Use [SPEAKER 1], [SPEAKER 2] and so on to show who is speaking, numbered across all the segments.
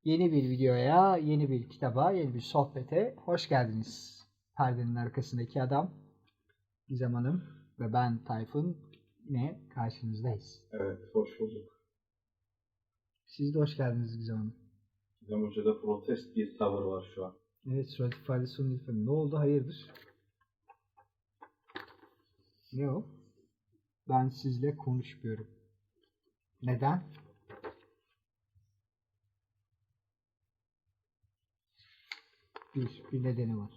[SPEAKER 1] Yeni bir videoya, yeni bir kitaba, yeni bir sohbete hoş geldiniz. Perdenin arkasındaki adam Gizem Hanım ve ben Tayfun yine karşınızdayız.
[SPEAKER 2] Evet, hoş bulduk.
[SPEAKER 1] Siz de hoş geldiniz Gizem Hanım.
[SPEAKER 2] Gizem Hoca'da protest bir tavır var şu an.
[SPEAKER 1] Evet, surat ifadesi onun ifadesi. Ne oldu? Hayırdır? Ne o? Ben sizle konuşmuyorum. Neden? Bir nedeni var.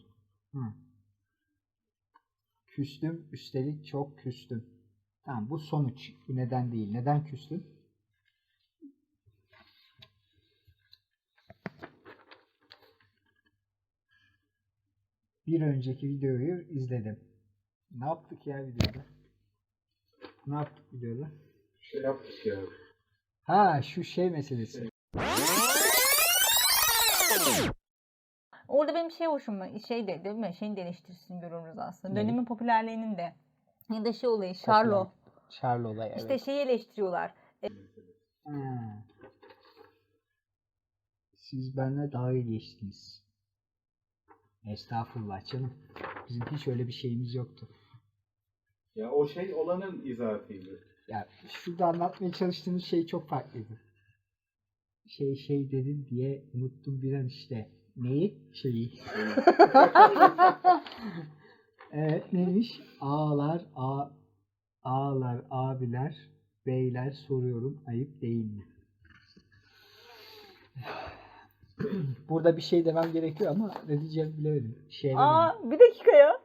[SPEAKER 1] Küstüm, üstelik çok küstüm. Tamam, bu sonuç. Bu neden değil. Neden küstün? Bir önceki videoyu izledim. Ne yaptık ya videoda? Ne yaptık videoda?
[SPEAKER 2] Şey yaptık ya.
[SPEAKER 1] Ha, şu şey meselesi.
[SPEAKER 3] Orada benim hoşuma değil mi? Şeyin de eleştirisini görürüz aslında.
[SPEAKER 1] Ne?
[SPEAKER 3] Dönemin popülerliğinin de. Ya da olayı,
[SPEAKER 1] Charlo olayı, evet.
[SPEAKER 3] İşte şeyi eleştiriyorlar.
[SPEAKER 1] Ha. Siz benimle daha iyi geçtiniz. Estağfurullah canım. Bizim hiç öyle bir şeyimiz yoktu.
[SPEAKER 2] Ya o şey olanın izahatıydı.
[SPEAKER 1] Ya şurada anlatmaya çalıştığımız şey çok farklıydı. Şey dedin diye unuttum bir an işte. Neyi? Şeyi. Evet, neymiş? Ağlar abiler, beyler soruyorum, ayıp değil mi? Burada bir şey demem gerekiyor ama ne diyeceğimi bilemedim.
[SPEAKER 3] Bir dakika ya.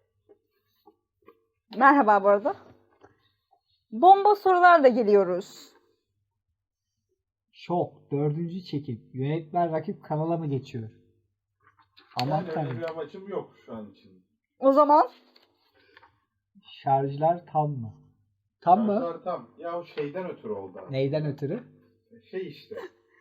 [SPEAKER 3] Merhaba bu arada. Bomba sorularla geliyoruz.
[SPEAKER 1] Şok. 4. çekim. Yönetmen rakip kanala mı geçiyor? Aman
[SPEAKER 2] Yani öyle
[SPEAKER 1] tanrım.
[SPEAKER 2] bir amacım yok şu an için.
[SPEAKER 3] O zaman
[SPEAKER 1] Şarjlar tam mı? Tam mı?
[SPEAKER 2] Şartlar tam. Ya o şeyden ötürü oldu aslında.
[SPEAKER 1] Neyden ötürü?
[SPEAKER 2] Şey işte.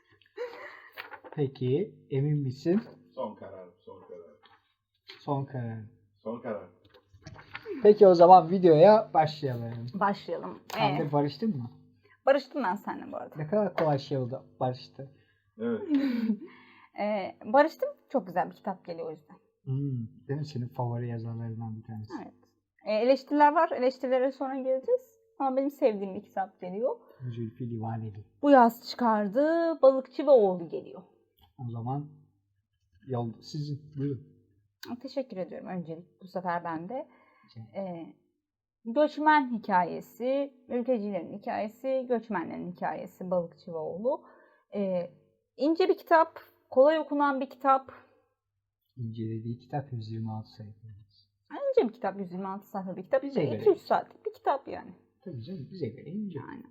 [SPEAKER 1] Peki, emin misin?
[SPEAKER 2] Son karar, son karar.
[SPEAKER 1] Son karar.
[SPEAKER 2] Son karar.
[SPEAKER 1] Peki o zaman videoya başlayalım.
[SPEAKER 3] başlayalım.
[SPEAKER 1] Sen de barıştın mı?
[SPEAKER 3] Barıştım ben seninle bu arada.
[SPEAKER 1] Ne kadar kolay şey oldu barıştı.
[SPEAKER 2] Evet.
[SPEAKER 3] Barıştım. Çok güzel bir kitap geliyor o yüzden.
[SPEAKER 1] Değil mi? Senin favori yazarlarından bir tanesi.
[SPEAKER 3] Evet. Eleştiriler var. Eleştirilere sonra geleceğiz. Ama benim sevdiğim bir kitap geliyor.
[SPEAKER 1] Zülfü Livaneli.
[SPEAKER 3] Bu yaz çıkardı. Balıkçı ve Oğlu geliyor.
[SPEAKER 1] O zaman yol sizin. Buyurun.
[SPEAKER 3] Teşekkür ediyorum öncelik. Bu sefer ben de. Göçmen hikayesi, mültecilerin hikayesi, göçmenlerin hikayesi Balıkçı ve Oğlu. İnce bir kitap, kolay okunan bir kitap.
[SPEAKER 1] İncelediği kitap 126 sayfa.
[SPEAKER 3] İnce bir kitap, 126 sayfa bir kitap.
[SPEAKER 1] Bize göre.
[SPEAKER 3] 2-3 saatlik bir kitap yani.
[SPEAKER 1] Tabii canım, bize göre ince.
[SPEAKER 3] Yani.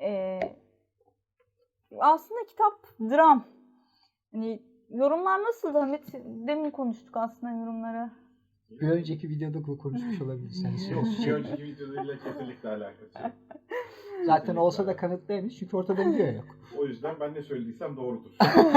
[SPEAKER 3] Aslında kitap dram. Hani yorumlar nasıldı Hamit? Demin konuştuk aslında yorumları.
[SPEAKER 1] Bir önceki videoda konuşmuş olabilirsiniz.
[SPEAKER 2] Yok, bir önceki videoyla kesinlikle alakası yok.
[SPEAKER 1] Zaten olsa da kanıtlayamayız çünkü ortada video yok.
[SPEAKER 2] O yüzden ben ne söylediysem doğrudur.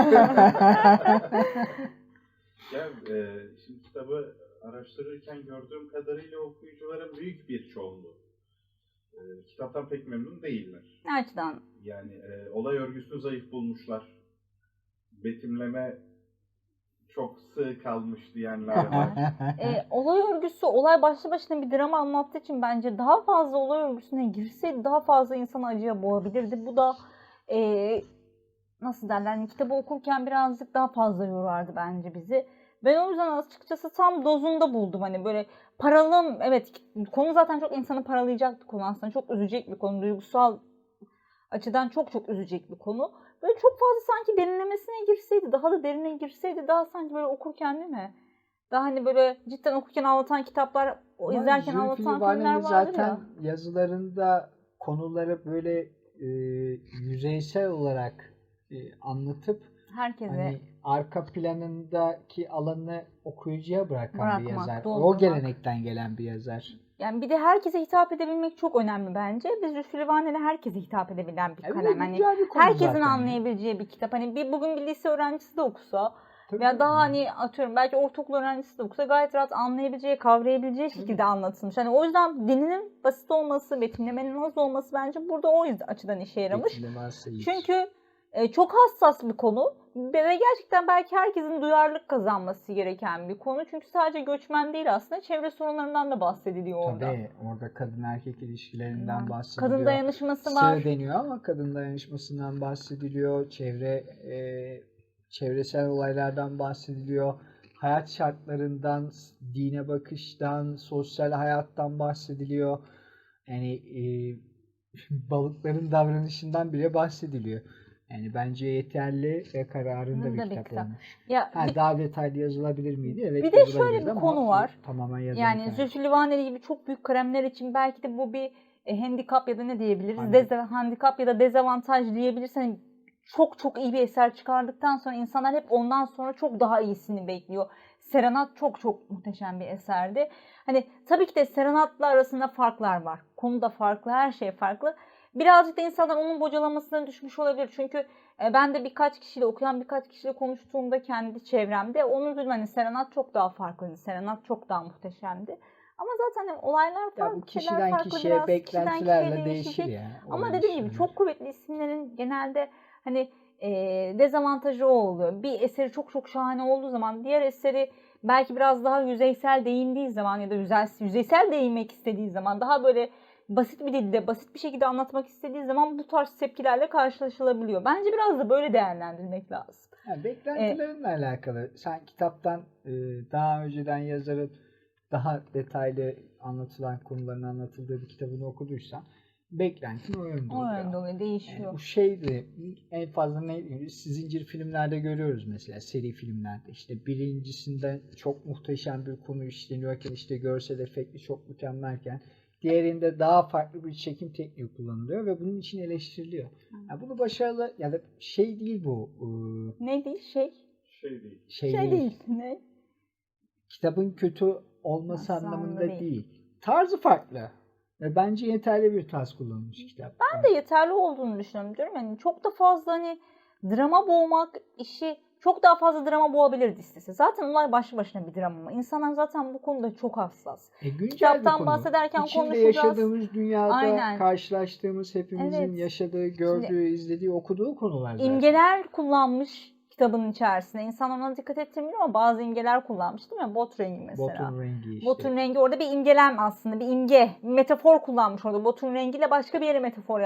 [SPEAKER 2] Ya şimdi kitabı araştırırken gördüğüm kadarıyla okuyucuların büyük bir çoğunluğu kitaptan pek memnun değiller.
[SPEAKER 3] Ne açıdan?
[SPEAKER 2] Yani olay örgüsünü zayıf bulmuşlar. Betimleme çok sığ kalmış diyenler var.
[SPEAKER 3] Olay örgüsü, olay başlı başına bir drama anlattığı için bence daha fazla olay örgüsüne girseydi daha fazla insanı acıya boğabilirdi. Bu da nasıl derler, yani kitabı okurken birazcık daha fazla yorardı bence bizi. Ben o yüzden açıkçası tam dozunda buldum. Hani böyle paralım, evet konu zaten çok insanı paralayacaktı konu aslında. Çok üzecek bir konu, duygusal açıdan çok üzecek bir konu. Böyle çok fazla sanki derinlemesine girseydi, daha da derine girseydi daha sanki böyle okurken değil mi? Daha hani böyle cidden okurken ağlatan kitaplar, izlerken ağlatan filmler vardır
[SPEAKER 1] zaten
[SPEAKER 3] ya.
[SPEAKER 1] yazılarında konuları böyle yüzeysel olarak anlatıp
[SPEAKER 3] Herkese
[SPEAKER 1] hani arka planındaki alanı okuyucuya bırakan bir
[SPEAKER 3] Bırakmak,
[SPEAKER 1] yazar. O
[SPEAKER 3] doldurmak.
[SPEAKER 1] gelenekten gelen bir yazar.
[SPEAKER 3] Yani bir de herkese hitap edebilmek çok önemli bence. Biz Zülfü Livaneli herkese hitap edebilen bir kalem. Hani
[SPEAKER 1] güzel bir konu
[SPEAKER 3] herkesin
[SPEAKER 1] zaten.
[SPEAKER 3] anlayabileceği bir kitap. Hani bugün bir lise öğrencisi de okusa
[SPEAKER 1] Tabii
[SPEAKER 3] veya daha
[SPEAKER 1] tabii.
[SPEAKER 3] hani atıyorum belki ortaokul öğrencisi de okusa gayet rahat anlayabileceği, kavrayabileceği şekilde anlatılmış. Hani o yüzden dilinin basit olması, betimlemenin az olması bence burada o yüzden açıdan işe yaramış.
[SPEAKER 1] Betimleme varsa iyi.
[SPEAKER 3] Çünkü Çok hassas bir konu ve gerçekten belki herkesin duyarlılık kazanması gereken bir konu. Çünkü sadece göçmen değil, aslında çevre sorunlarından da bahsediliyor orada.
[SPEAKER 1] Tabii orada kadın erkek ilişkilerinden bahsediliyor.
[SPEAKER 3] Kadın dayanışması var.
[SPEAKER 1] Sığ deniyor ama kadın dayanışmasından bahsediliyor. Çevresel olaylardan bahsediliyor. Hayat şartlarından, dine bakıştan, sosyal hayattan bahsediliyor. Yani balıkların davranışından bile bahsediliyor. Yani bence yeterli ve kararında
[SPEAKER 3] Bunun
[SPEAKER 1] bir
[SPEAKER 3] da bir
[SPEAKER 1] kitap
[SPEAKER 3] kitap.
[SPEAKER 1] olmuş.
[SPEAKER 3] Ya
[SPEAKER 1] Daha detaylı yazılabilir miydi? Evet,
[SPEAKER 3] bir de şöyle
[SPEAKER 1] yazılabilirdi
[SPEAKER 3] bir
[SPEAKER 1] ama
[SPEAKER 3] konu
[SPEAKER 1] bu
[SPEAKER 3] var.
[SPEAKER 1] tamamen yazılı
[SPEAKER 3] Yani
[SPEAKER 1] hikaye.
[SPEAKER 3] Zülfü Livaneli gibi çok büyük kalemler için belki de bu bir handikap ya da ne diyebiliriz? Handikap ya da dezavantaj diyebiliriz. Hani çok çok iyi bir eser çıkardıktan sonra insanlar hep ondan sonra çok daha iyisini bekliyor. Serenat çok çok muhteşem bir eserdi. Hani tabii ki de Serenat'la arasında farklar var. Konu da farklı, her şey farklı. Birazcık da insanlar onun bocalamasına düşmüş olabilir. Çünkü ben de birkaç kişiyle, okuyan birkaç kişiyle konuştuğumda kendi çevremde onun üzerine hani Serenat çok daha farklıydı. Serenat çok daha muhteşemdi. Ama zaten hani olaylar
[SPEAKER 1] Ya
[SPEAKER 3] farklı,
[SPEAKER 1] bu
[SPEAKER 3] şeyler
[SPEAKER 1] kişiden
[SPEAKER 3] farklı
[SPEAKER 1] kişiye,
[SPEAKER 3] biraz. Kişiden
[SPEAKER 1] beklentilerle
[SPEAKER 3] kişiye
[SPEAKER 1] değişir
[SPEAKER 3] değişecek.
[SPEAKER 1] ya.
[SPEAKER 3] Ama
[SPEAKER 1] Olan
[SPEAKER 3] dediğim gibi
[SPEAKER 1] şeyler.
[SPEAKER 3] çok kuvvetli isimlerin genelde hani dezavantajı o oluyor. Bir eseri çok çok şahane olduğu zaman diğer eseri belki biraz daha yüzeysel değindiği zaman ya da yüzeysel değinmek istediği zaman daha böyle basit bir dilde, basit bir şekilde anlatmak istediği zaman bu tarz tepkilerle karşılaşılabiliyor. Bence biraz da böyle değerlendirmek lazım.
[SPEAKER 1] Yani beklentilerinle alakalı. Sen kitaptan daha önceden yazarın daha detaylı anlatılan konuların anlatıldığı bir kitabını okuduysan beklentin o yönde
[SPEAKER 3] O
[SPEAKER 1] oluyor.
[SPEAKER 3] yönde oluyor,
[SPEAKER 1] Yani
[SPEAKER 3] değişiyor.
[SPEAKER 1] bu şeydi en fazla zincir filmlerde görüyoruz mesela, seri filmlerde. İşte birincisinde çok muhteşem bir konu işleniyorken, işte görsel efekti çok mükemmelken diğerinde daha farklı bir çekim tekniği kullanılıyor ve bunun için eleştiriliyor. Yani bunu başarılı ya da şey değil bu.
[SPEAKER 3] Ne değil
[SPEAKER 2] Şey değil.
[SPEAKER 1] Şey
[SPEAKER 3] Şey
[SPEAKER 1] değil.
[SPEAKER 3] değil. Ne?
[SPEAKER 1] Kitabın kötü olması
[SPEAKER 3] Nasıl
[SPEAKER 1] anlamında
[SPEAKER 3] değil.
[SPEAKER 1] değil. Tarzı farklı. Ve bence yeterli bir tarz kullanılmış kitap.
[SPEAKER 3] Ben de yeterli olduğunu düşünüyorum diyorum. Yani çok da fazla hani drama boğmak işi çok daha fazla drama boğabilirdi istese. Zaten olay başlı başına bir drama ama insanlar zaten bu konuda çok hassas.
[SPEAKER 1] Güncel bir
[SPEAKER 3] Kitaptan
[SPEAKER 1] konu.
[SPEAKER 3] bahsederken
[SPEAKER 1] İçinde
[SPEAKER 3] konuşacağız.
[SPEAKER 1] yaşadığımız dünyada
[SPEAKER 3] Aynen.
[SPEAKER 1] karşılaştığımız, hepimizin
[SPEAKER 3] Evet.
[SPEAKER 1] yaşadığı, gördüğü, izlediği, okuduğu konular zaten.
[SPEAKER 3] İmgeler kullanmış kitabın içerisinde. İnsan ona dikkat ettirmiyor ama bazı imgeler kullanmış değil mi? Bot rengi mesela.
[SPEAKER 1] Botun rengi işte.
[SPEAKER 3] Botun rengi orada bir imgelem aslında. Bir imge, bir metafor kullanmış orada. Botun rengiyle başka bir yere metafor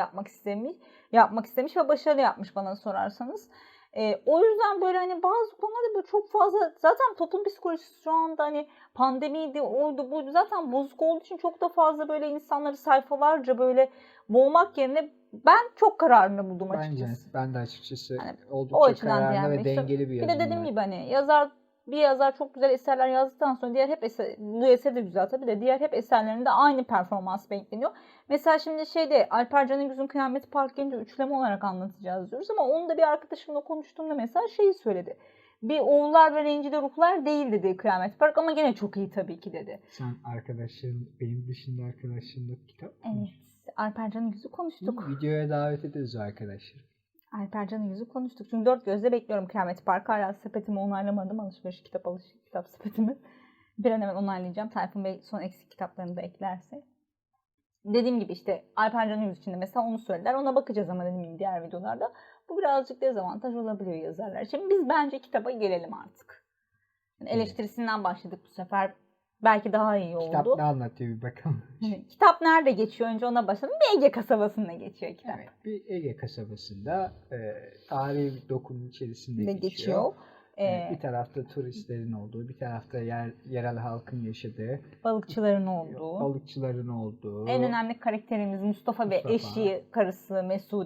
[SPEAKER 3] yapmak istemiş ve başarılı yapmış bana sorarsanız. O yüzden böyle hani bazı konularda böyle çok fazla zaten toplum psikolojisi şu anda hani pandemiydi, oydu buydu zaten bozuk olduğu için çok da fazla böyle insanları sayfalarca böyle boğmak yerine ben çok kararını buldum açıkçası.
[SPEAKER 1] Bence ben de açıkçası
[SPEAKER 3] Yani o
[SPEAKER 1] oldukça
[SPEAKER 3] açıdan
[SPEAKER 1] kararlı ve
[SPEAKER 3] değinmek istiyorum.
[SPEAKER 1] dengeli bir
[SPEAKER 3] Bir
[SPEAKER 1] yazım
[SPEAKER 3] de dediğim
[SPEAKER 1] var.
[SPEAKER 3] gibi hani bir yazar çok güzel eserler yazdıktan sonra diğer hep bu eser de güzel tabii de diğer hep eserlerinde aynı performans bekleniyor. Mesela şimdi Alper Canıgüz'ün Kıyamet Park gelince üçleme olarak anlatacağız diyoruz ama onu da bir arkadaşımla konuştuğumda mesela şeyi söyledi. Bir oğullar ve rencide ruhlar değil dedi Kıyamet Park ama gene çok iyi tabii ki dedi.
[SPEAKER 1] Sen arkadaşların, benim dışında arkadaşlarınla kitap mı?
[SPEAKER 3] Evet, Alper Canıgüz'ü konuştuk.
[SPEAKER 1] Videoya davet ederiz arkadaşlar.
[SPEAKER 3] Alper Canıgüz'ü konuştuk. Çünkü dört gözle bekliyorum Kıyamet Park'ı. Hala sepetimi onaylamadım. Kitap sepetimi. Bir an hemen onaylayacağım. Tayfun Bey son eksik kitaplarını da eklerse. Dediğim gibi işte Alper Canıgüz için de mesela onu söylediler. Ona bakacağız ama dediğim gibi diğer videolarda. Bu birazcık dezavantaj olabiliyor yazarlar. Şimdi biz bence kitaba gelelim artık. Yani eleştirisinden başladık bu sefer. Belki daha iyi oldu.
[SPEAKER 1] Kitap ne anlatıyor bir bakalım.
[SPEAKER 3] Kitap nerede geçiyor? Önce ona başlayalım. Bir Ege kasabasında geçiyor kitap.
[SPEAKER 1] Evet, bir Ege kasabasında tarihi bir dokunun içerisinde geçiyor.
[SPEAKER 3] geçiyor.
[SPEAKER 1] Bir tarafta turistlerin olduğu, bir tarafta yerel halkın yaşadığı, balıkçıların olduğu.
[SPEAKER 3] En önemli karakterimiz Mustafa ve eşi, karısı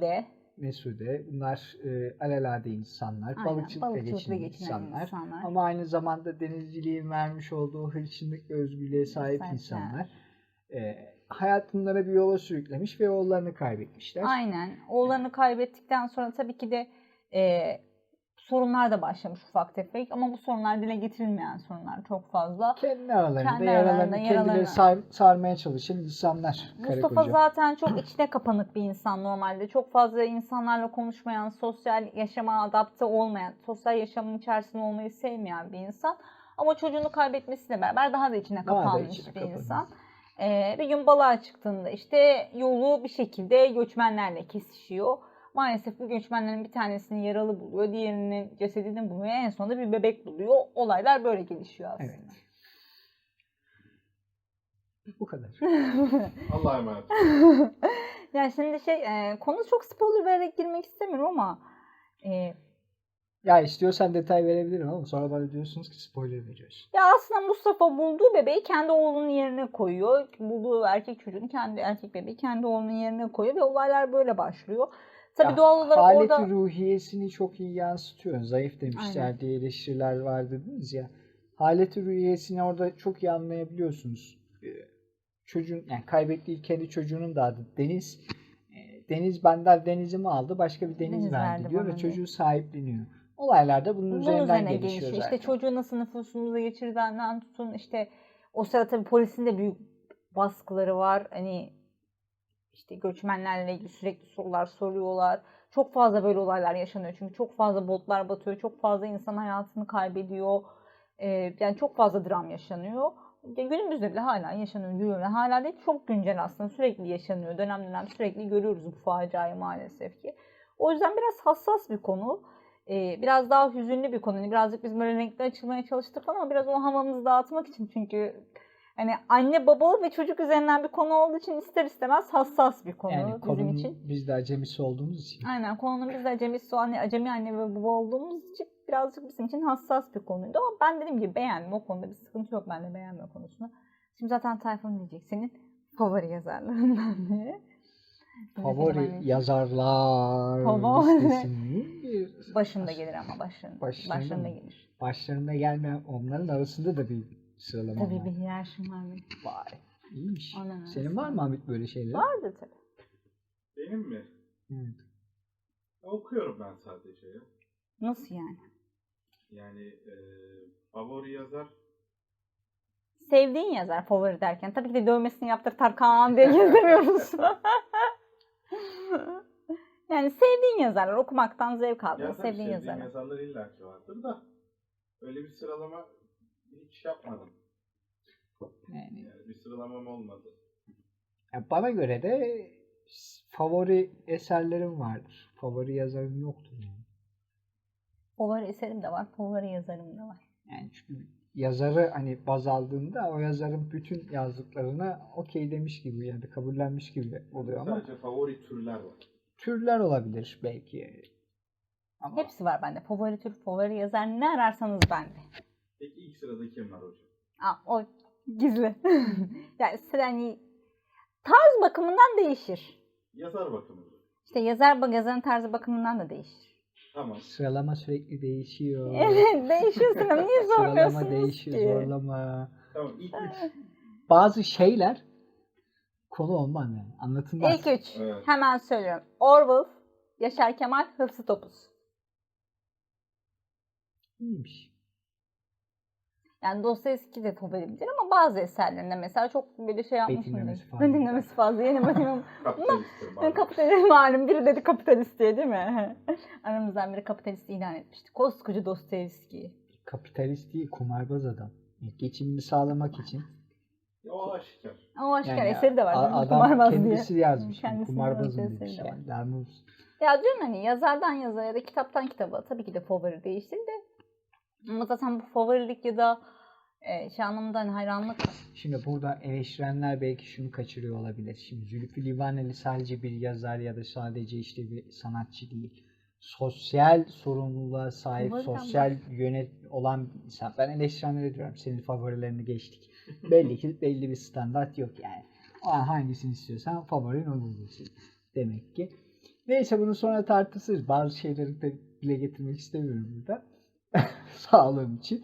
[SPEAKER 1] Mesude. Bunlar alelade insanlar,
[SPEAKER 3] Aynen,
[SPEAKER 1] balıkçılıkla geçinen insanlar. Ama aynı zamanda denizciliğin vermiş olduğu hırçınlık ve özgürlüğe sahip insanlar. Hayat bunlara bir yola sürüklemiş ve oğullarını kaybetmişler.
[SPEAKER 3] Aynen. Oğullarını kaybettikten sonra tabii ki de sorunlar da başlamış ufak tefek ama bu sorunlar dile getirilmeyen sorunlar çok fazla.
[SPEAKER 1] Kendi aralarında kendileri sarmaya çalışan insanlar.
[SPEAKER 3] Mustafa zaten çok içine kapanık bir insan normalde. Çok fazla insanlarla konuşmayan, sosyal yaşama adapte olmayan, sosyal yaşamın içerisinde olmayı sevmeyen bir insan. Ama çocuğunu kaybetmesiyle beraber daha da içine kapanmış bir insan. Bir gün balığa çıktığında işte yolu bir şekilde göçmenlerle kesişiyor. Maalesef bu göçmenlerin bir tanesini yaralı buluyor, diğerinin cesedini buluyor, en sonunda bir bebek buluyor. Olaylar böyle gelişiyor aslında.
[SPEAKER 1] Evet. Bu kadar.
[SPEAKER 2] Allah'a emanet.
[SPEAKER 3] Yani şimdi konu çok spoiler vererek girmek istemiyorum ama
[SPEAKER 1] Ya istiyorsan detay verebilirim ama sonra bana diyorsunuz ki spoiler veriyorsun.
[SPEAKER 3] ya aslında Mustafa bulduğu bebeği kendi oğlunun yerine koyuyor. Bulduğu erkek çocuğunu erkek bebeği kendi oğlunun yerine koyuyor ve olaylar böyle başlıyor. Tabii
[SPEAKER 1] Ya,
[SPEAKER 3] doğal olarak
[SPEAKER 1] haleti
[SPEAKER 3] orada
[SPEAKER 1] ruhiyesini çok iyi yansıtıyor. Zayıf demişler
[SPEAKER 3] Aynen.
[SPEAKER 1] diye eleştiriler var dediniz ya. Haleti ruhiyesini orada çok iyi anlayabiliyorsunuz. Çocuğun yani kaybettiği kendi çocuğunun da adı Deniz. Deniz benden Deniz'imi aldı, başka bir Deniz
[SPEAKER 3] Deniz
[SPEAKER 1] verdi
[SPEAKER 3] verdi
[SPEAKER 1] diyor
[SPEAKER 3] bana
[SPEAKER 1] ve
[SPEAKER 3] diyor.
[SPEAKER 1] çocuğu sahipleniyor. Olaylar da bunun
[SPEAKER 3] bunun
[SPEAKER 1] üzerinden
[SPEAKER 3] üzerine
[SPEAKER 1] gelişiyor
[SPEAKER 3] gelişiyor.
[SPEAKER 1] zaten.
[SPEAKER 3] İşte çocuğu nasıl nüfusumuza geçirdiğinden tutun, işte o sırada tabii polisin de büyük baskıları var. Hani işte göçmenlerle ilgili sürekli sorular soruyorlar. Çok fazla böyle olaylar yaşanıyor. Çünkü çok fazla botlar batıyor. Çok fazla insan hayatını kaybediyor. Yani çok fazla dram yaşanıyor. Günümüzde bile hala yaşanıyor. Hala değil, çok güncel aslında. Sürekli yaşanıyor. Dönem dönem sürekli görüyoruz bu faciayı maalesef ki. O yüzden biraz hassas bir konu. Biraz daha hüzünlü bir konu. Birazcık biz böyle renkli açılmaya çalıştık falan ama biraz o havamızı dağıtmak için, çünkü hani anne baba ve çocuk üzerinden bir konu olduğu için ister istemez hassas bir konu
[SPEAKER 1] Yani
[SPEAKER 3] bizim
[SPEAKER 1] konunun
[SPEAKER 3] için.
[SPEAKER 1] biz de acemisi olduğumuz için.
[SPEAKER 3] Aynen, konunun biz de acemi anne ve baba olduğumuz için birazcık bizim için hassas bir konuydu. Ama ben dediğim gibi beğendim, o konuda bir sıkıntı yok bende beğenme konusunda. Şimdi zaten Tayfun diyecek senin favori yazarlarından diye.
[SPEAKER 1] Favori yazarlar
[SPEAKER 3] Favori.
[SPEAKER 1] listesinin bir
[SPEAKER 3] Başında gelir ama başında
[SPEAKER 1] mı?
[SPEAKER 3] gelir.
[SPEAKER 1] Başlarında gelmeyen onların arasında da bir sıralama
[SPEAKER 3] Tabii
[SPEAKER 1] var.
[SPEAKER 3] bir hiyerarşim var benim.
[SPEAKER 1] Vay, iyiymiş.
[SPEAKER 3] Ondan
[SPEAKER 1] Senin var mı Hamit böyle şeyler?
[SPEAKER 3] Vardı tabii.
[SPEAKER 2] Benim mi?
[SPEAKER 1] Evet.
[SPEAKER 2] Okuyorum ben sadece ya.
[SPEAKER 3] Nasıl yani?
[SPEAKER 2] Yani favori yazar
[SPEAKER 3] Sevdiğin yazar favori derken. Tabii ki de dövmesini yaptır Tarkan diye gezemiyoruz. Yani sevdiğin yazarlar, okumaktan zevk aldığın
[SPEAKER 2] ya tabii
[SPEAKER 3] sevdiğin
[SPEAKER 2] sevdiğim
[SPEAKER 3] yazarlar.
[SPEAKER 2] yazarlar illaki vardır da öyle bir sıralama hiç yapmadım.
[SPEAKER 1] Yani,
[SPEAKER 2] Yani bir sıralamam olmadı.
[SPEAKER 1] ya bana göre de favori eserlerim vardır. Favori yazarım yoktur yani.
[SPEAKER 3] Favori eserim de var, favori yazarım da var.
[SPEAKER 1] Yani çünkü yazarı hani baz aldığında o yazarın bütün yazdıklarına okey demiş gibi yani kabullenmiş gibi oluyor ama
[SPEAKER 2] Sadece favori türler var.
[SPEAKER 1] türler olabilir belki. Ama
[SPEAKER 3] Hepsi var bende. Favori tür, favori yazar, ne ararsanız bende.
[SPEAKER 2] Peki ilk sırada kim var hocam?
[SPEAKER 3] O gizli. Yani hani tarz bakımından değişir.
[SPEAKER 2] Yazar bakımında.
[SPEAKER 3] İşte yazarın tarzı bakımından da değişir.
[SPEAKER 2] Tamam.
[SPEAKER 1] sıralama sürekli değişiyor.
[SPEAKER 3] Evet, değişiyor Sinan. Niye sormuyorsunuz
[SPEAKER 1] Sıralama değişiyor,
[SPEAKER 3] ki?
[SPEAKER 1] zorlama.
[SPEAKER 2] Tamam ilk üç.
[SPEAKER 1] Bazı şeyler konu olmaz yani. Anlatılmaz.
[SPEAKER 3] İlk üç.
[SPEAKER 2] Evet.
[SPEAKER 3] Hemen söylüyorum. Orwell, Yaşar Kemal, Hıfzı Topuz.
[SPEAKER 1] İyiymiş.
[SPEAKER 3] Yani Dostoyevski de favorimdir ama bazı eserlerinde mesela çok böyle şey yapmışım.
[SPEAKER 1] Betimlemesi fazla.
[SPEAKER 3] Betimlemesi fazla. Yeni bakıyorum.
[SPEAKER 2] Kapitalisttir malum.
[SPEAKER 3] Kapitalist malum. Biri dedi kapitalist diye, değil mi? Aramızdan biri kapitalist ilan etmişti. Koskoca Dostoyevski.
[SPEAKER 1] Kapitalist değil, kumarbaz adam. Geçimini sağlamak için.
[SPEAKER 2] O aşikar.
[SPEAKER 3] O aşikar
[SPEAKER 1] Yani
[SPEAKER 3] eseri de var.
[SPEAKER 1] adam
[SPEAKER 3] Kumarbaz
[SPEAKER 1] kendisi
[SPEAKER 3] diye.
[SPEAKER 1] yazmış.
[SPEAKER 3] Kendisi
[SPEAKER 1] Kumarbazım
[SPEAKER 3] yazdığı
[SPEAKER 1] demiş
[SPEAKER 3] eseri de var.
[SPEAKER 1] yani. Lanet olsun.
[SPEAKER 3] Ya diyorum hani yazardan yazara ya da kitaptan kitaba tabii ki de favori değiştir de. Ama zaten bu favorilik ya da şey anlamında hani hayranlık.
[SPEAKER 1] Şimdi burada eleştirenler belki şunu kaçırıyor olabilir. Şimdi Zülfü Livaneli sadece bir yazar ya da sadece işte bir sanatçı değil. Sosyal sorumluluğa sahip,
[SPEAKER 3] Favoriden
[SPEAKER 1] sosyal yönet olan bir insan. Ben eleştirenlere diyorum senin favorilerini geçtik. Belli ki belli bir standart yok yani. O an hangisini istiyorsan favorin o olacaksın demek ki. Neyse bunu sonra tartışırız. Bazı şeyleri de dile getirmek istemiyorum burada. Sağlığım için.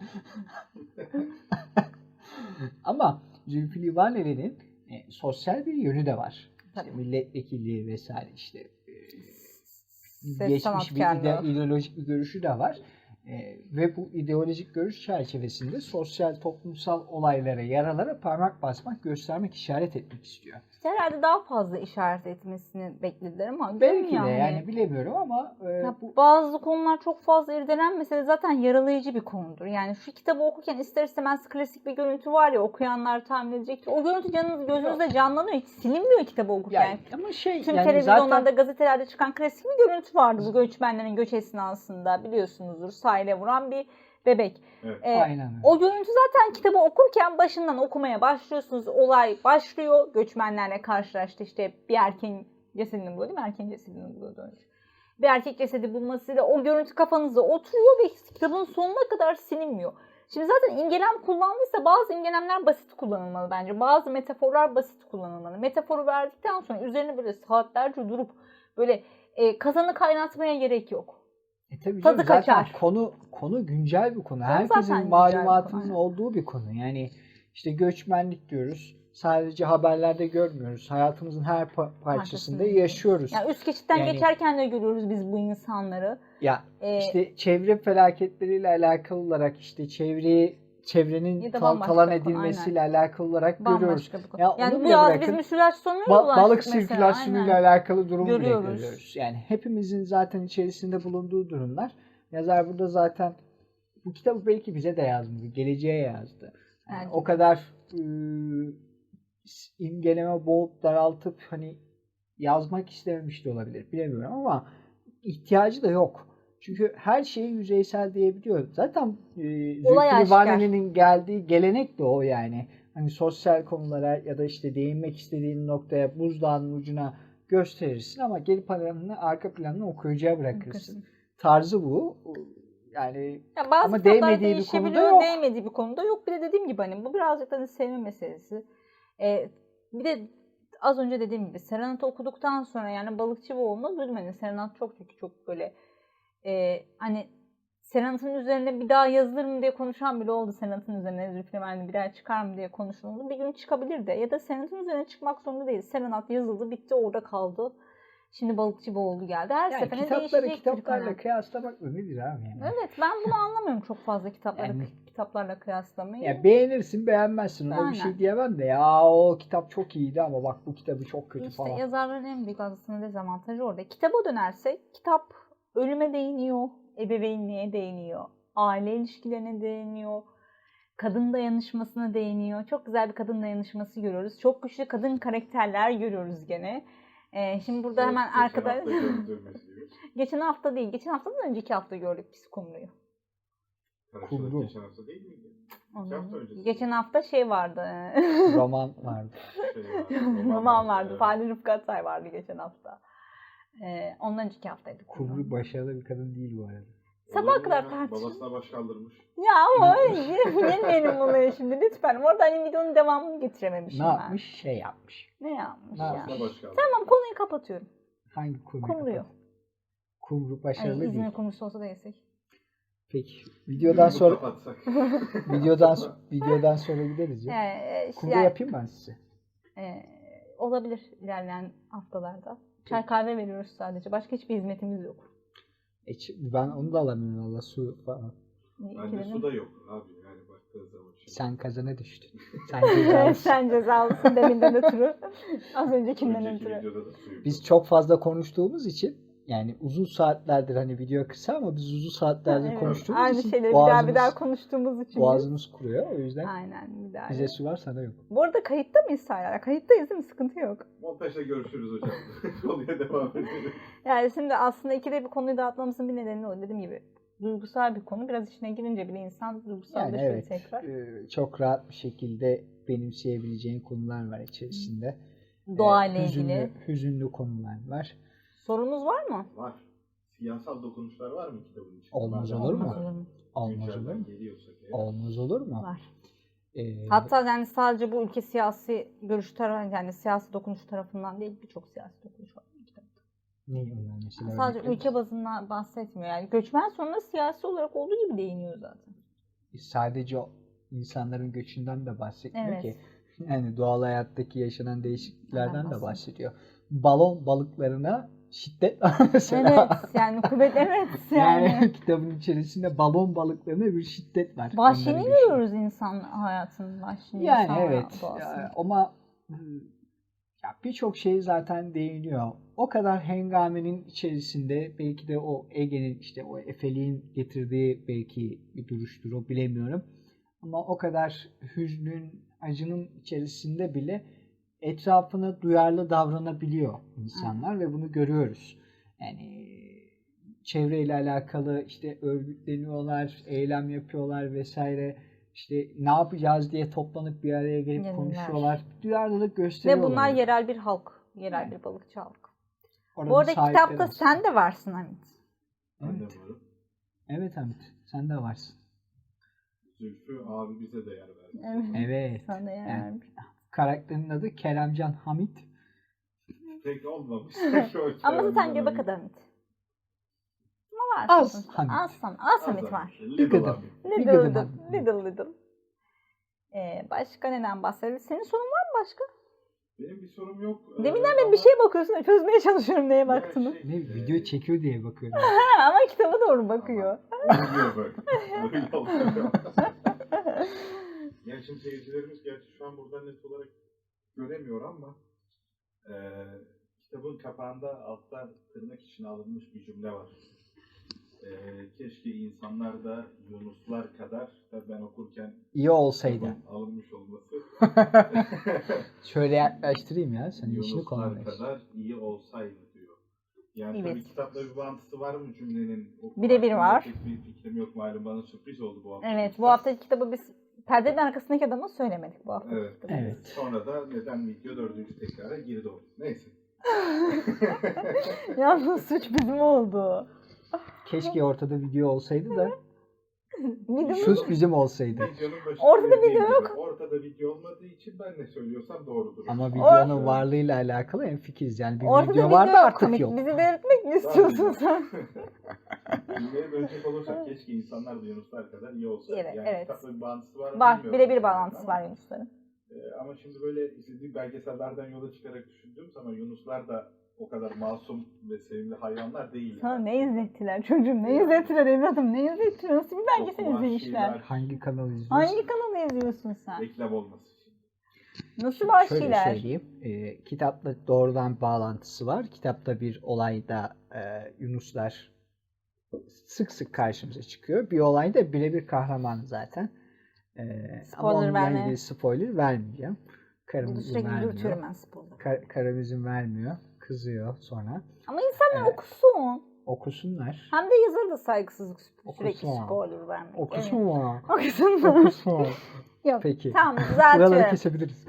[SPEAKER 1] Ama Zülfü Livaneli'nin sosyal bir yönü de var. İşte milletvekilliği vesaire işte geçmiş bir
[SPEAKER 3] sanatkarlığı.
[SPEAKER 1] ideolojik bir görüşü de var. Ve bu ideolojik görüş çerçevesinde sosyal toplumsal olaylara, yaralara parmak basmak, göstermek, işaret etmek istiyor.
[SPEAKER 3] İşte herhalde daha fazla işaret etmesini beklediler ama
[SPEAKER 1] Belki de yani bilemiyorum ama
[SPEAKER 3] bazı konular çok fazla irdelenmese de zaten yaralayıcı bir konudur. Yani şu kitabı okurken ister istemez klasik bir görüntü var ya, okuyanlar tahmin edecek ki o görüntü gözünüzde canlanıyor. Hiç silinmiyor kitabı okurken.
[SPEAKER 1] yani, ama şey
[SPEAKER 3] Tüm
[SPEAKER 1] yani
[SPEAKER 3] televizyonlarda,
[SPEAKER 1] zaten
[SPEAKER 3] gazetelerde çıkan klasik bir görüntü vardı bu göçmenlerin göç esnasında, biliyorsunuzdur, sahile vuran bir bebek.
[SPEAKER 2] Evet.
[SPEAKER 1] aynen öyle.
[SPEAKER 3] O görüntü zaten kitabı okurken başından okumaya başlıyorsunuz. Olay başlıyor. Göçmenlerle karşılaştı. İşte bir erkeğin cesedini buluyor değil mi? Erkeğin cesedini buluyordu önce. Bir erkek cesedi bulmasıyla o görüntü kafanızda oturuyor ve kitabın sonuna kadar silinmiyor. Şimdi zaten imgelem kullandıysa bazı imgelemler basit kullanılmalı bence. Bazı metaforlar basit kullanılmalı. Metaforu verdikten sonra üzerine böyle saatlerce durup böyle kazanı kaynatmaya gerek yok.
[SPEAKER 1] Tabii
[SPEAKER 3] Tadı
[SPEAKER 1] canım, zaten
[SPEAKER 3] kaçar.
[SPEAKER 1] konu güncel bir konu.
[SPEAKER 3] Zaten
[SPEAKER 1] Herkesin
[SPEAKER 3] güncel bir
[SPEAKER 1] malumatının
[SPEAKER 3] konu,
[SPEAKER 1] olduğu bir konu. Yani işte göçmenlik diyoruz. Sadece haberlerde görmüyoruz. Hayatımızın her parçasında yaşıyoruz.
[SPEAKER 3] Yani üst geçitten
[SPEAKER 1] Yani-
[SPEAKER 3] geçerken de görüyoruz biz bu insanları.
[SPEAKER 1] Ya
[SPEAKER 3] Ee,
[SPEAKER 1] işte çevre felaketleriyle alakalı olarak işte çevrenin
[SPEAKER 3] Ya da bambaşka
[SPEAKER 1] talan
[SPEAKER 3] bir konu,
[SPEAKER 1] edilmesiyle alakalı olarak görüyoruz.
[SPEAKER 3] Bambaşka bir konu.
[SPEAKER 1] Ya onu
[SPEAKER 3] Yani bu
[SPEAKER 1] bile
[SPEAKER 3] yaz biz
[SPEAKER 1] bırakın,
[SPEAKER 3] müsilajsyonlara ulaştık
[SPEAKER 1] balık
[SPEAKER 3] mesela.
[SPEAKER 1] sirkülasyonuyla
[SPEAKER 3] Aynen.
[SPEAKER 1] alakalı durumu bile
[SPEAKER 3] Görüyoruz.
[SPEAKER 1] görüyoruz. Yani hepimizin zaten içerisinde bulunduğu durumlar. Yazar burada zaten bu kitabı belki bize de yazmadı, geleceğe yazdı. Yani
[SPEAKER 3] Evet.
[SPEAKER 1] o kadar imgeleme boğup daraltıp hani yazmak istememiş de olabilir. Bilemiyorum ama ihtiyacı da yok. Çünkü her şeyi yüzeysel diyebiliyor. Zaten
[SPEAKER 3] Olay
[SPEAKER 1] Zülfü
[SPEAKER 3] aşikar.
[SPEAKER 1] Livaneli'nin geldiği gelenek de o yani. Hani sosyal konulara ya da işte değinmek istediğin noktaya buzdağının ucuna gösterirsin ama geri planını, arka planını okuyucuya bırakırsın. Tarzı bu. Yani
[SPEAKER 3] Ya bazı
[SPEAKER 1] ama
[SPEAKER 3] kitaplar
[SPEAKER 1] değmediği bir konuda
[SPEAKER 3] değişebiliyor,
[SPEAKER 1] yok.
[SPEAKER 3] değmediği bir konuda yok. Bir de dediğim gibi hani bu birazcık da sevme meselesi. Bir de az önce dediğim gibi Serenat'ı okuduktan sonra yani Balıkçıoğlu'nu duydum. Hani Serenat çok böyle hani Serenat'ın üzerine bir daha yazılır mı diye konuşan bile oldu. Serenat'ın üzerine Zülfü Livaneli bir daha çıkar mı diye konuşuldu. Bir gün çıkabilir de ya da Serenat'ın üzerine çıkmak zorunda değil. Serenat yazıldı, bitti, orada kaldı. Şimdi Balıkçıoğlu geldi. Her
[SPEAKER 1] Yani
[SPEAKER 3] seferinde
[SPEAKER 1] kitaplarla
[SPEAKER 3] değişecektir konu.
[SPEAKER 1] kıyaslamak mı nedir abi yani?
[SPEAKER 3] Evet, ben bunu anlamıyorum çok fazla
[SPEAKER 1] Yani-
[SPEAKER 3] kitaplarla kıyaslamayı.
[SPEAKER 1] Ya beğenirsin beğenmezsin ona bir
[SPEAKER 3] Aynen.
[SPEAKER 1] şey diyemem de ya o kitap çok iyiydi ama bak bu kitabı çok kötü
[SPEAKER 3] İşte
[SPEAKER 1] falan.
[SPEAKER 3] yazarların en büyük aslında dezavantajı orada. Kitaba dönersek kitap ölüme değiniyor, ebeveynliğe değiniyor, aile ilişkilerine değiniyor, kadın dayanışmasına değiniyor. Çok güzel bir kadın dayanışması görüyoruz. Çok güçlü kadın karakterler görüyoruz gene. Şimdi burada
[SPEAKER 2] Evet,
[SPEAKER 3] hemen
[SPEAKER 2] geçen
[SPEAKER 3] arkada
[SPEAKER 2] hafta gördüğümüz gibi.
[SPEAKER 3] geçen hafta değil, geçen haftadan önceki hafta gördük biz Kumru'yu.
[SPEAKER 2] Karşıladık,
[SPEAKER 1] Kumru.
[SPEAKER 2] geçen hafta değil miydi? İki hafta öncesi.
[SPEAKER 3] Geçen hafta şey vardı.
[SPEAKER 1] Roman vardı.
[SPEAKER 3] Roman vardı.
[SPEAKER 2] Evet.
[SPEAKER 3] Fahri Rıfkı Atay vardı geçen hafta. Ondan önceki haftaydı.
[SPEAKER 1] Kumru başarılı bir kadın değil bu arada.
[SPEAKER 3] Sabaha
[SPEAKER 2] Olur mu
[SPEAKER 3] kadar
[SPEAKER 2] ya?
[SPEAKER 3] tartışın.
[SPEAKER 2] Babasına baş kaldırmış.
[SPEAKER 3] Ya ama öyle girmeyelim bunlara şimdi lütfen. Orada hani videonun devamını getirememişim
[SPEAKER 1] Ne
[SPEAKER 3] ben.
[SPEAKER 1] yapmış? Şey yapmış.
[SPEAKER 3] Ne yapmış
[SPEAKER 1] Ne
[SPEAKER 3] ya?
[SPEAKER 1] yapmış?
[SPEAKER 2] Babasına baş kaldırmış.
[SPEAKER 3] Tamam, konuyu kapatıyorum.
[SPEAKER 1] Hangi Kumru'yu
[SPEAKER 3] Kumru'yu.
[SPEAKER 1] kapat? Kumru
[SPEAKER 3] Hani
[SPEAKER 1] başarılı değil.
[SPEAKER 3] İzmir kumrusu olsa da yesek.
[SPEAKER 1] Peki. Videodan sonra
[SPEAKER 2] Kapatsak.
[SPEAKER 1] videodan sonra gideriz ya. Kumru
[SPEAKER 3] Yani,
[SPEAKER 1] yapayım ben size.
[SPEAKER 3] olabilir ilerleyen haftalarda. Çay kahve veriyoruz sadece. Başka hiçbir hizmetimiz yok.
[SPEAKER 1] Ben onu da alamıyorum valla su falan.
[SPEAKER 2] Bende su da yok abi yani baktığı zaman. Şimdi.
[SPEAKER 1] Sen kazana düştün. Sen cezalısın.
[SPEAKER 3] Sen cezalısın deminden ötürü. Az öncekinden
[SPEAKER 2] Önceki
[SPEAKER 3] ötürü.
[SPEAKER 2] videoda da su yok.
[SPEAKER 1] Biz çok fazla konuştuğumuz için yani uzun saatlerdir hani video kısa ama biz uzun saatlerdir
[SPEAKER 3] Evet,
[SPEAKER 1] konuştuğumuz
[SPEAKER 3] aynı
[SPEAKER 1] için
[SPEAKER 3] şeyleri
[SPEAKER 1] boğazımız,
[SPEAKER 3] bir daha konuştuğumuz için.
[SPEAKER 1] boğazımız kuruyor. O yüzden
[SPEAKER 3] Aynen, bir daha.
[SPEAKER 1] bize su var sana yok.
[SPEAKER 3] Bu arada kayıtta mıyız hala? Kayıttayız değil mi? Sıkıntı yok.
[SPEAKER 2] Montajda görüşürüz hocam. Konuya devam edelim.
[SPEAKER 3] Yani şimdi aslında ikide bir konuyu dağıtmamızın bir nedeni o. Dediğim gibi duygusal bir konu. Biraz içine girince bile insan
[SPEAKER 1] Yani
[SPEAKER 3] duygusallaşıyor
[SPEAKER 1] evet
[SPEAKER 3] tekrar.
[SPEAKER 1] çok rahat bir şekilde benimseyebileceğin konular var içerisinde.
[SPEAKER 3] Doğayla ilgili.
[SPEAKER 1] Hüzünlü konular var.
[SPEAKER 3] Sorunuz var mı?
[SPEAKER 2] Var. Siyasal dokunuşlar var mı kitabın içinde?
[SPEAKER 1] Olmaz
[SPEAKER 2] Madem
[SPEAKER 1] olur mu?
[SPEAKER 2] bunlar
[SPEAKER 1] Olmaz olur
[SPEAKER 2] güncelden
[SPEAKER 1] mu?
[SPEAKER 2] geliyorsak eğer.
[SPEAKER 1] Olmaz olur mu?
[SPEAKER 3] Var.
[SPEAKER 1] Ee,
[SPEAKER 3] Hatta yani sadece bu ülke siyasi görüş tarafı, yani siyasi dokunuş tarafından değil, birçok siyasi dokunuş var bu kitapta.
[SPEAKER 1] ne onlar mesela?
[SPEAKER 3] Sadece
[SPEAKER 1] örnekler?
[SPEAKER 3] ülke bazından bahsetmiyor. Yani göçmen sonra siyasi olarak olduğu gibi değiniyor zaten.
[SPEAKER 1] Sadece o insanların göçünden de bahsetmiyor
[SPEAKER 3] Evet.
[SPEAKER 1] ki. Yani doğal hayattaki yaşanan değişikliklerden de
[SPEAKER 3] bahsediyor.
[SPEAKER 1] bahsediyor. Balon balıklarına şiddet var mesela.
[SPEAKER 3] Evet yani kuvvet evet
[SPEAKER 1] Yani
[SPEAKER 3] yani.
[SPEAKER 1] kitabın içerisinde balon balıklarına bir şiddet var.
[SPEAKER 3] Vahşini
[SPEAKER 1] Onları yaşıyor.
[SPEAKER 3] görüyoruz insan hayatının vahşini,
[SPEAKER 1] Yani
[SPEAKER 3] insan
[SPEAKER 1] evet
[SPEAKER 3] doğasını.
[SPEAKER 1] ama ya birçok şey zaten değiniyor. O kadar hengamenin içerisinde belki de o Ege'nin işte o Efeliğin getirdiği belki bir duruştur o bilemiyorum. Ama o kadar hüznün, acının içerisinde bile etrafına duyarlı davranabiliyor insanlar ve bunu görüyoruz. Yani çevreyle alakalı işte örgütleniyorlar, eylem yapıyorlar vesaire. İşte ne yapacağız diye toplanıp bir araya gelip
[SPEAKER 3] Yeniler.
[SPEAKER 1] konuşuyorlar. Duyarlılık
[SPEAKER 3] Ve
[SPEAKER 1] gösteriyorlar.
[SPEAKER 3] bunlar yerel bir halk. Yerel
[SPEAKER 1] Yani.
[SPEAKER 3] bir balıkçı halk.
[SPEAKER 1] Oranın
[SPEAKER 3] Bu arada
[SPEAKER 1] sahipleri
[SPEAKER 3] kitapta
[SPEAKER 1] aslında.
[SPEAKER 3] sen de varsın Hamit.
[SPEAKER 2] Ben de
[SPEAKER 1] Evet.
[SPEAKER 2] varım.
[SPEAKER 1] Evet Hamit, sen de varsın.
[SPEAKER 2] Zülfü abi bize de yer verdi.
[SPEAKER 3] Evet.
[SPEAKER 1] Evet.
[SPEAKER 3] Sana yer
[SPEAKER 1] Yani
[SPEAKER 3] vermiş.
[SPEAKER 1] karakterin adı Keremcan Hamit.
[SPEAKER 2] Pek olmamış.
[SPEAKER 3] Ama zaten göbek adı Hamit. Ama var
[SPEAKER 1] Az
[SPEAKER 3] sonuçta.
[SPEAKER 1] Hamit.
[SPEAKER 3] Az Hamit var.
[SPEAKER 2] Little
[SPEAKER 1] gıdım.
[SPEAKER 2] abi.
[SPEAKER 1] Bir gıdım
[SPEAKER 3] Little
[SPEAKER 1] Hamit.
[SPEAKER 3] little. Başka neden bahsedelim? Senin sorun var mı başka?
[SPEAKER 2] Benim bir sorum yok.
[SPEAKER 3] Deminden beri bir şeye bakıyorsun. Çözmeye çalışıyorum neye baktığını.
[SPEAKER 1] Ne video çekiyor diye bakıyorum.
[SPEAKER 3] Ha, ama kitaba doğru bakıyor.
[SPEAKER 2] Oluyor böyle. Öyle oluyor. Yani şimdi seyircilerimiz gerçi şu an burada net olarak göremiyor ama kitabın kapağında altta tırnak içine alınmış bir cümle var. Keşke insanlar da Yunuslar kadar, tabii ben okurken
[SPEAKER 1] İyi olsaydı.
[SPEAKER 2] kitabın alınmış olması
[SPEAKER 1] Şöyle yaklaştırayım ya. Sen işini
[SPEAKER 2] Yunuslar
[SPEAKER 1] kolaylaş.
[SPEAKER 2] kadar iyi olsaydı diyor. Yani
[SPEAKER 3] Evet.
[SPEAKER 2] tabii kitapla bir bağıntısı var mı cümlenin?
[SPEAKER 3] Birebir var.
[SPEAKER 2] Pek bir fikrim yok malum, bana sürpriz oldu bu hafta.
[SPEAKER 3] Evet, bu haftaki kitabı biz perdenin arkasındaki adama söylemedik bu hafta.
[SPEAKER 2] Evet.
[SPEAKER 1] Evet.
[SPEAKER 2] Sonra da neden video 4. tekrara girdi o. Neyse.
[SPEAKER 3] Yalnız suç bizim oldu.
[SPEAKER 1] Keşke ortada video olsaydı da
[SPEAKER 3] Videomuz
[SPEAKER 1] suç bizim olsaydı.
[SPEAKER 2] Videonun başında
[SPEAKER 3] Ortada
[SPEAKER 2] dediğim
[SPEAKER 3] video
[SPEAKER 2] gibi,
[SPEAKER 3] yok.
[SPEAKER 2] Ortada video olmadığı için ben ne söylüyorsam doğrudur.
[SPEAKER 1] Ama videonun varlığıyla alakalı hemfikiriz. Yani bir
[SPEAKER 3] ortada
[SPEAKER 1] video vardı
[SPEAKER 3] yok.
[SPEAKER 1] artık
[SPEAKER 3] Hamit,
[SPEAKER 1] yok.
[SPEAKER 3] bizi delirtmek mi istiyorsun sen?
[SPEAKER 2] Cümleye dönecek olursak keşke insanlar da Yunuslar kadar iyi olsaydı.
[SPEAKER 3] Evet,
[SPEAKER 2] yani
[SPEAKER 3] evet.
[SPEAKER 2] kitapla bir bağıntısı var mı
[SPEAKER 3] Var,
[SPEAKER 2] bilmiyorum.
[SPEAKER 3] birebir bağlantısı var Yunusların.
[SPEAKER 2] Ama şimdi böyle izlediğim belgesellerden yola çıkarak düşündüğüm zaman Yunuslar da o kadar masum ve sevimli hayvanlar değil.
[SPEAKER 3] Sana
[SPEAKER 2] yani.
[SPEAKER 3] ne izlettiler çocuğum, ne izlettiler evladım, ne izlettiler, nasıl bir belgesel
[SPEAKER 2] Çok
[SPEAKER 3] izlemişler?
[SPEAKER 2] vahşiler.
[SPEAKER 1] Hangi kanal izliyorsun?
[SPEAKER 3] Hangi kanalı izliyorsun sen?
[SPEAKER 2] Reklam olması için.
[SPEAKER 3] Nasıl
[SPEAKER 1] Şöyle
[SPEAKER 3] vahşiler?
[SPEAKER 1] söyleyeyim. Kitapla doğrudan bağlantısı var. Kitapta bir olayda Yunuslar sık sık karşımıza çıkıyor. Bir olay da birebir kahraman zaten. Ama
[SPEAKER 3] Spoiler
[SPEAKER 1] onunla
[SPEAKER 3] verme.
[SPEAKER 1] ilgili spoiler vermeyeceğim.
[SPEAKER 3] Bunu
[SPEAKER 1] Karım izin
[SPEAKER 3] sürekli
[SPEAKER 1] vermiyor.
[SPEAKER 3] dürtüyorum ben spoiler.
[SPEAKER 1] Karım izin vermiyor. Kızıyor sonra.
[SPEAKER 3] Ama insanlar
[SPEAKER 1] Evet.
[SPEAKER 3] okusun.
[SPEAKER 1] Okusunlar.
[SPEAKER 3] Hem de yazarı da saygısızlık sürekli
[SPEAKER 1] Okusun.
[SPEAKER 3] spoiler vermek.
[SPEAKER 1] Okusun
[SPEAKER 3] Evet.
[SPEAKER 1] mu?
[SPEAKER 3] Okusun.
[SPEAKER 1] Okusun.
[SPEAKER 3] Yok.
[SPEAKER 1] Peki.
[SPEAKER 3] Tamam
[SPEAKER 1] Buraları
[SPEAKER 3] düzeltiyorum.
[SPEAKER 1] kesebiliriz.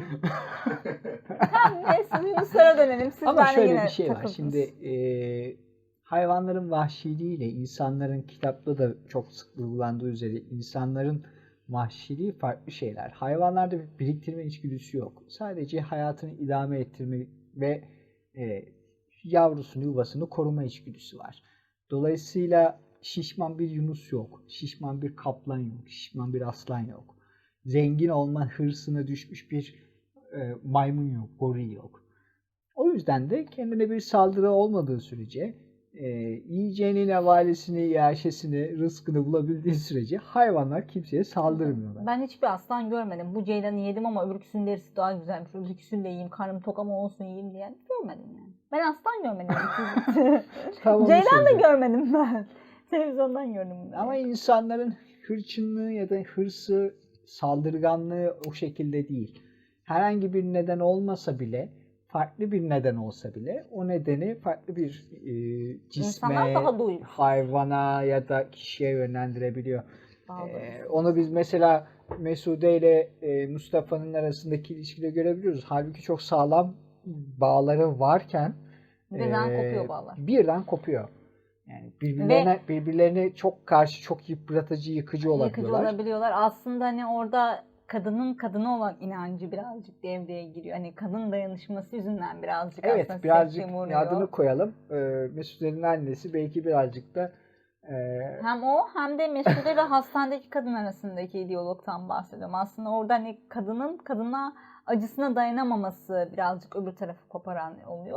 [SPEAKER 3] Tamam neyse Yunuslara dönelim. Siz
[SPEAKER 1] Ama
[SPEAKER 3] benimle
[SPEAKER 1] şöyle
[SPEAKER 3] yine
[SPEAKER 1] bir şey var.
[SPEAKER 3] takıldınız.
[SPEAKER 1] Şimdi hayvanların vahşiliğiyle insanların kitapta da çok sık vurgulandığı üzere insanların vahşiliği farklı şeyler. Hayvanlarda bir biriktirme içgüdüsü yok. Sadece hayatını idame ettirme ve yavrusunu, yuvasını koruma içgüdüsü var. Dolayısıyla şişman bir yunus yok. Şişman bir kaplan yok. Şişman bir aslan yok. Zengin olma hırsına düşmüş bir maymun yok, goril yok. O yüzden de kendine bir saldırı olmadığı sürece yiyeceğini, nevalisini, yaşesini, rızkını bulabildiği sürece hayvanlar kimseye saldırmıyorlar.
[SPEAKER 3] Ben hiçbir aslan görmedim. Bu ceylanı yedim ama öbürküsünün derisi daha güzelmiş. Öbürküsünü de yiyeyim, karnım tok ama olsun yiyeyim diyen görmedim yani. Ben aslan görmedim.
[SPEAKER 1] Tam onu
[SPEAKER 3] Ceylan da
[SPEAKER 1] söyleyeceğim.
[SPEAKER 3] görmedim ben. Televizyondan gördüm bunu.
[SPEAKER 1] Ama insanların hırçınlığı ya da hırsı, saldırganlığı o şekilde değil. Herhangi bir neden olmasa bile, farklı bir neden olsa bile o nedeni farklı bir
[SPEAKER 3] İnsanlar
[SPEAKER 1] cisme,
[SPEAKER 3] daha duygusuz.
[SPEAKER 1] hayvana ya da kişiye yönlendirebiliyor.
[SPEAKER 3] Daha duygusuz.
[SPEAKER 1] Onu biz mesela Mesude ile Mustafa'nın arasındaki ilişkide görebiliyoruz. Halbuki çok sağlam bağları varken
[SPEAKER 3] Birden kopuyor bağlar.
[SPEAKER 1] birden kopuyor. Yani birbirlerine çok karşı, çok yıpratıcı, yıkıcı olabiliyorlar.
[SPEAKER 3] Yıkıcı olabiliyorlar. Aslında hani orada kadının kadına olan inancı birazcık devreye giriyor. Hani kadın dayanışması yüzünden birazcık
[SPEAKER 1] Evet,
[SPEAKER 3] aslında
[SPEAKER 1] birazcık
[SPEAKER 3] sekteye uğruyor.
[SPEAKER 1] adını koyalım. Mesude'nin annesi belki birazcık da
[SPEAKER 3] Hem o hem de Mesude ile hastanedeki kadın arasındaki diyalogtan bahsediyorum. Aslında orada hani kadının kadına acısına dayanamaması birazcık öbür tarafı koparan oluyor.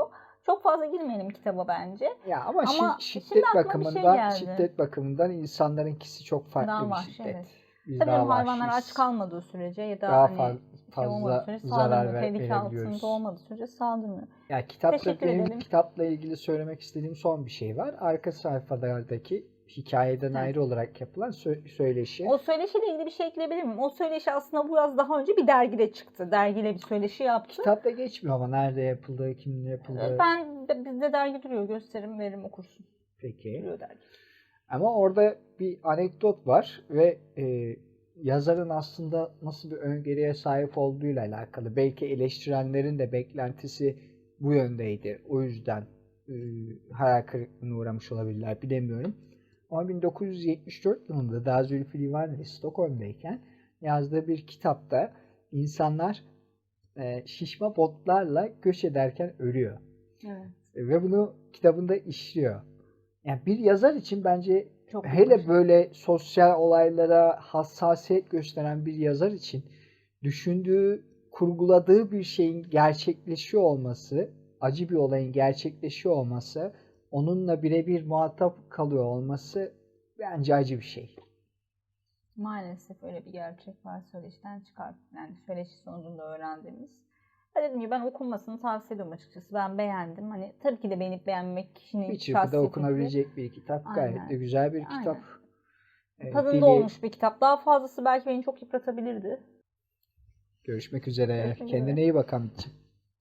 [SPEAKER 3] Çok fazla girmeyelim kitaba bence.
[SPEAKER 1] Ya ama
[SPEAKER 3] Ama
[SPEAKER 1] şiddet
[SPEAKER 3] şimdi aklıma bir şey geldi.
[SPEAKER 1] şiddet bakımından insanlarınkisi çok farklı
[SPEAKER 3] Daha
[SPEAKER 1] bir
[SPEAKER 3] vahşi,
[SPEAKER 1] şiddet.
[SPEAKER 3] evet.
[SPEAKER 1] Biz
[SPEAKER 3] Tabii
[SPEAKER 1] daha
[SPEAKER 3] hayvanlar aç
[SPEAKER 1] vahşiyiz.
[SPEAKER 3] kalmadığı sürece ya da
[SPEAKER 1] Daha
[SPEAKER 3] hani
[SPEAKER 1] fazla
[SPEAKER 3] olmadığı sürece
[SPEAKER 1] zarar
[SPEAKER 3] saldırmıyor. Tehlike
[SPEAKER 1] verebiliyoruz.
[SPEAKER 3] altında olmadığı sürece saldırmıyor.
[SPEAKER 1] Ya
[SPEAKER 3] Teşekkür ederim.
[SPEAKER 1] kitapla ilgili söylemek istediğim son bir şey var. Arka sayfalardaki hikayeden ayrı olarak yapılan söyleşi.
[SPEAKER 3] O söyleşiyle ilgili bir şey ekleyebilir miyim? O söyleşi aslında bu yaz daha önce bir dergide çıktı. Dergiyle bir söyleşi yaptı.
[SPEAKER 1] Kitapta geçmiyor ama nerede yapıldığı, kiminle yapıldığı.
[SPEAKER 3] Bizde dergi duruyor. Gösteririm, veririm, okursun.
[SPEAKER 1] Peki.
[SPEAKER 3] Duruyor dergi.
[SPEAKER 1] Ama orada bir anekdot var ve yazarın aslında nasıl bir öngörüye sahip olduğuyla alakalı. Belki eleştirenlerin de beklentisi bu yöndeydi. O yüzden hayal kırıklığına uğramış olabilirler. Bilemiyorum. Ama 1974 yılında daha Zülfü Livaneli Stockholm'dayken yazdığı bir kitapta insanlar şişme botlarla göç ederken ölüyor.
[SPEAKER 3] Evet.
[SPEAKER 1] Ve bunu kitabında işliyor. Yani bir yazar için bence
[SPEAKER 3] Çok
[SPEAKER 1] hele böyle sosyal olaylara hassasiyet gösteren bir yazar için düşündüğü, kurguladığı bir şeyin gerçekleşiyor olması, acı bir olayın gerçekleşiyor olması, onunla birebir muhatap kalıyor olması bence acı bir şey.
[SPEAKER 3] Maalesef öyle bir gerçek var, söyleşiden yani söyleşi sonucunda öğrendiğimiz. Dediğim gibi ben okunmasını tavsiye ediyorum açıkçası. Ben beğendim. Hani tabii ki de beğenip beğenmemek kişinin
[SPEAKER 1] Bir çırpıda
[SPEAKER 3] şahsiyeti.
[SPEAKER 1] okunabilecek bir kitap. Gayet de güzel bir kitap.
[SPEAKER 3] Tadında olmuş bir kitap. Daha fazlası belki beni çok yıpratabilirdi.
[SPEAKER 1] Görüşmek üzere.
[SPEAKER 3] Görüşmek
[SPEAKER 1] Kendine
[SPEAKER 3] üzere.
[SPEAKER 1] iyi bak Hamit'ciğim.